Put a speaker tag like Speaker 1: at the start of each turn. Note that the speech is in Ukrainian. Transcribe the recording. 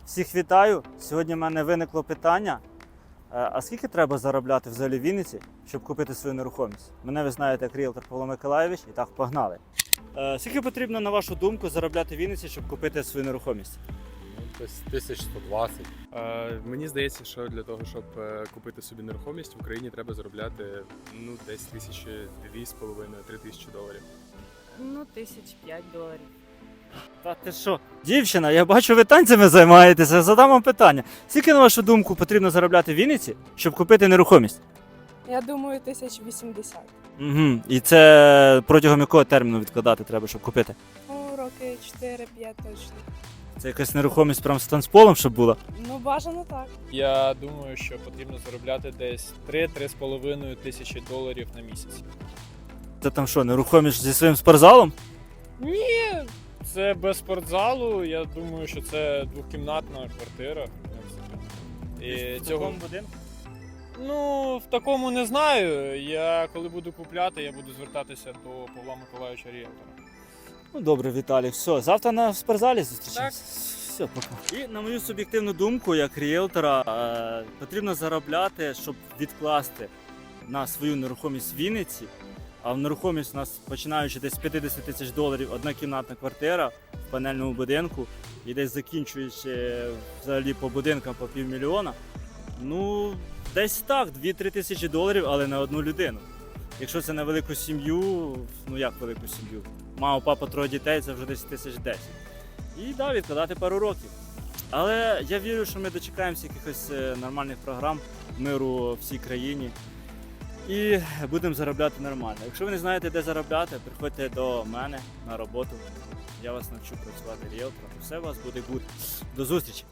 Speaker 1: Всіх вітаю! Сьогодні в мене виникло питання, а скільки треба заробляти взагалі в Вінниці, щоб купити свою нерухомість? Мене ви знаєте як ріелтор Павло Миколайович, і так, погнали. Скільки потрібно, на вашу думку, заробляти в Вінниці, щоб купити свою нерухомість?
Speaker 2: Десь 1120.
Speaker 3: Мені здається, що для того, щоб купити собі нерухомість в Україні, треба заробляти десь $2,5–3,000.
Speaker 4: Ну, $1005.
Speaker 1: Та ти що? Дівчина, я бачу, ви танцями займаєтеся, задам вам питання. Скільки, на вашу думку, потрібно заробляти в Вінниці, щоб купити нерухомість?
Speaker 4: Я думаю, 1080.
Speaker 1: Угу. І це протягом якого терміну відкладати треба, щоб купити?
Speaker 4: Ну, роки 4-5 точно.
Speaker 1: Це якась нерухомість прям з танцполом, щоб була?
Speaker 4: Ну, бажано так.
Speaker 5: Я думаю, що потрібно заробляти десь 3–3,5 тисячі доларів на місяць.
Speaker 1: Це там що, нерухомість зі своїм спортзалом?
Speaker 5: Ні, це без спортзалу. Я думаю, що це двокімнатна квартира. І цього...
Speaker 1: будинку?
Speaker 5: Ну, в такому не знаю. Я коли буду купляти, я буду звертатися до Павла Миколайовича ріелтора.
Speaker 1: Ну добре, Віталій, все, завтра на спортзалі зустрічаємося.
Speaker 5: Так.
Speaker 1: Все, пока. І на мою суб'єктивну думку, як ріелтора, потрібно заробляти, щоб відкласти на свою нерухомість в Вінниці. А в нерухомість у нас починаючи десь з $50 тисяч, однокімнатна квартира в панельному будинку і десь закінчуючи взагалі по будинкам по $500,000. Ну, десь так, $2–3 тисячі, але на одну людину. Якщо це на велику сім'ю, ну як велику сім'ю? Мама, папа, троє дітей, це вже десь 1010. І да, відкладати пару років. Але я вірю, що ми дочекаємося якихось нормальних програм, миру всій країні. І будемо заробляти нормально. Якщо ви не знаєте, де заробляти, приходьте до мене на роботу. Я вас навчу працювати ріелтором. Все у вас буде гуд. До зустрічі!